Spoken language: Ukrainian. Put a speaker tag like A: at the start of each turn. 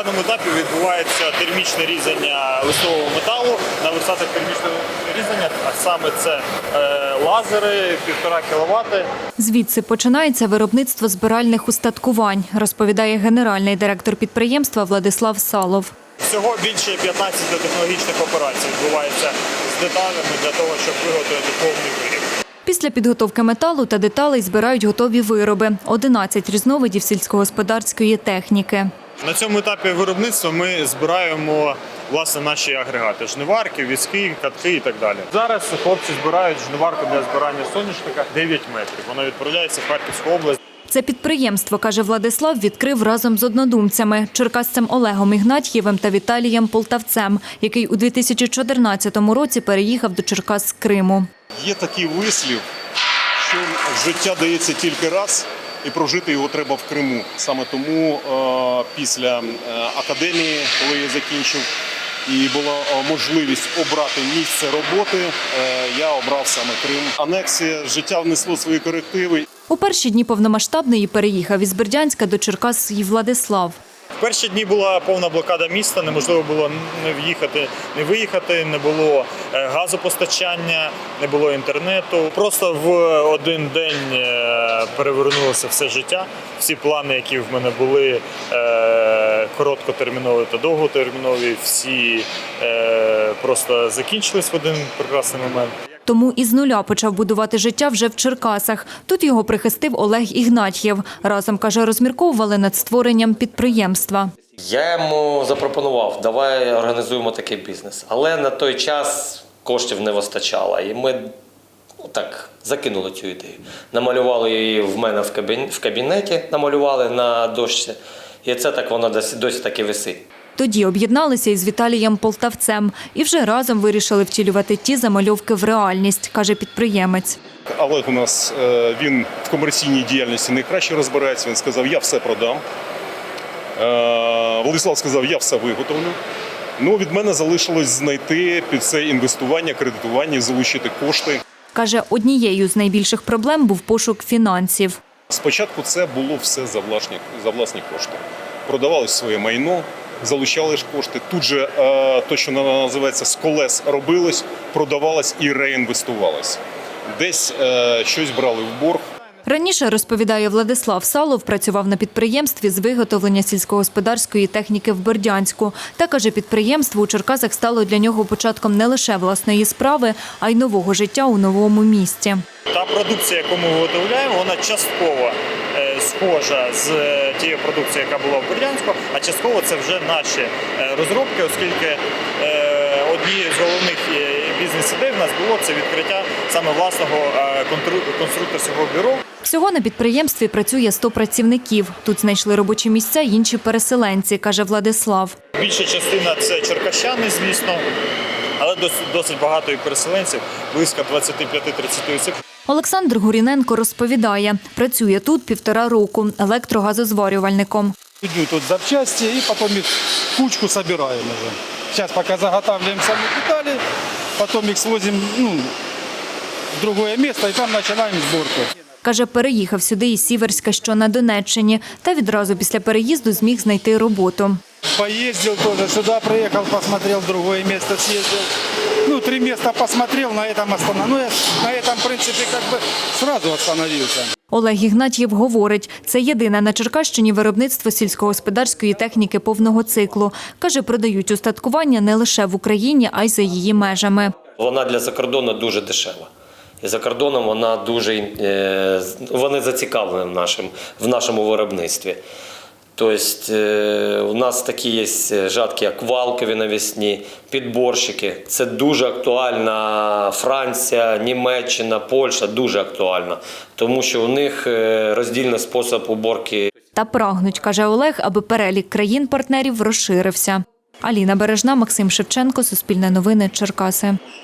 A: даному етапі відбувається термічне різання листового металу на верстатах термічного різання, а саме це лазери 1,5 кВт.
B: Звідси починається виробництво збиральних устаткувань, розповідає генеральний директор підприємства Владислав Салов.
A: Всього більше 15 технологічних операцій відбувається з деталями для того, щоб виготовити повний виріб.
B: Після підготовки металу та деталей збирають готові вироби – 11 різновидів сільськогосподарської техніки.
A: На цьому етапі виробництва ми збираємо власне наші агрегати – жниварки, візки, катки і так далі. Зараз хлопці збирають жниварку для збирання соняшника 9 метрів. Вона відправляється в Харківську область.
B: Це підприємство, каже Владислав, відкрив разом з однодумцями – черкасцем Олегом Ігнатьєвим та Віталієм Полтавцем, який у 2014 році переїхав до Черкас з Криму.
C: Є такий вислів, що життя дається тільки раз, і прожити його треба в Криму. Саме тому після академії, коли я закінчив, і була можливість обрати місце роботи, я обрав саме Крим. Анексія життя внесло свої корективи.
B: У перші дні повномасштабної переїхав із Бердянська до Черкас і Владислав.
A: В перші дні була повна блокада міста, неможливо було не в'їхати, не виїхати, не було газопостачання, не було інтернету. Просто в один день перевернулося все життя. Всі плани, які в мене були, короткотермінові та довготермінові, всі просто закінчились в один прекрасний момент.
B: Тому із нуля почав будувати життя вже в Черкасах. Тут його прихистив Олег Ігнатьєв. Разом, каже, розмірковували над створенням підприємства.
D: Я йому запропонував, давай організуємо такий бізнес. Але на той час коштів не вистачало. І ми так закинули цю ідею. Намалювали її в мене в кабінеті, намалювали на дошці. І це так воно досі так і висить.
B: Тоді об'єдналися із Віталієм Полтавцем і вже разом вирішили втілювати ті замальовки в реальність, каже підприємець.
C: Олег у нас, він в комерційній діяльності найкраще розбирається. Він сказав, я все продам. Владислав сказав, я все виготовлю. Ну, від мене залишилось знайти під це інвестування, кредитування, залучити кошти.
B: Каже, однією з найбільших проблем був пошук фінансів.
C: Спочатку це було все за власні кошти. Продавалось своє майно, залучали ж кошти. Тут же те, що називається з колес, робилось, продавалось і реінвестувалось. Десь щось брали в борг.
B: Раніше, розповідає Владислав Салов, працював на підприємстві з виготовлення сільськогосподарської техніки в Бердянську. Та, каже, підприємство у Черкасах стало для нього початком не лише власної справи, а й нового життя у новому місті.
A: Та продукція, яку ми виготовляємо, вона частково схожа з тією продукцією, яка була в Бердянську, а частково це вже наші розробки, оскільки однією з головних бізнес-ідей в нас було це відкриття саме власного конструкторського бюро.
B: Всього на підприємстві працює 100 працівників. Тут знайшли робочі місця й інші переселенці, каже Владислав.
A: Більша частина – це черкащани, звісно, але досить багато і переселенців, близько 25-30 осіб.
B: Олександр Гуріненко розповідає, працює тут 1,5 року електрогазозварювальником.
E: Идут тут запчасти и потом их кучку собираем уже. Сейчас пока заготавливаем сами детали, потом их свозим в другое место и там начинаем сборку.
B: Каже, переїхав сюди із Сіверська, що на Донеччині, та відразу після переїзду зміг знайти роботу.
E: Поездил тоже сюда, приехал, посмотрел, другое место съездил. 3 места посмотрел, на этом остановился. На этом, в принципе, сразу остановился.
B: Олег Ігнатьєв говорить, це єдине на Черкащині виробництво сільськогосподарської техніки повного циклу. Каже, продають устаткування не лише в Україні, а й за її межами.
D: Вона для закордону дуже дешева. І за кордоном вони зацікавлені в нашому виробництві. Тобто у нас такі є жатки, як валкові навісні, підборщики. Це дуже актуальна Франція, Німеччина, Польща, дуже актуальна. Тому що у них роздільний спосіб уборки.
B: Та прагнуть, каже Олег, аби перелік країн-партнерів розширився. Аліна Бережна, Максим Шевченко, Суспільне новини, Черкаси.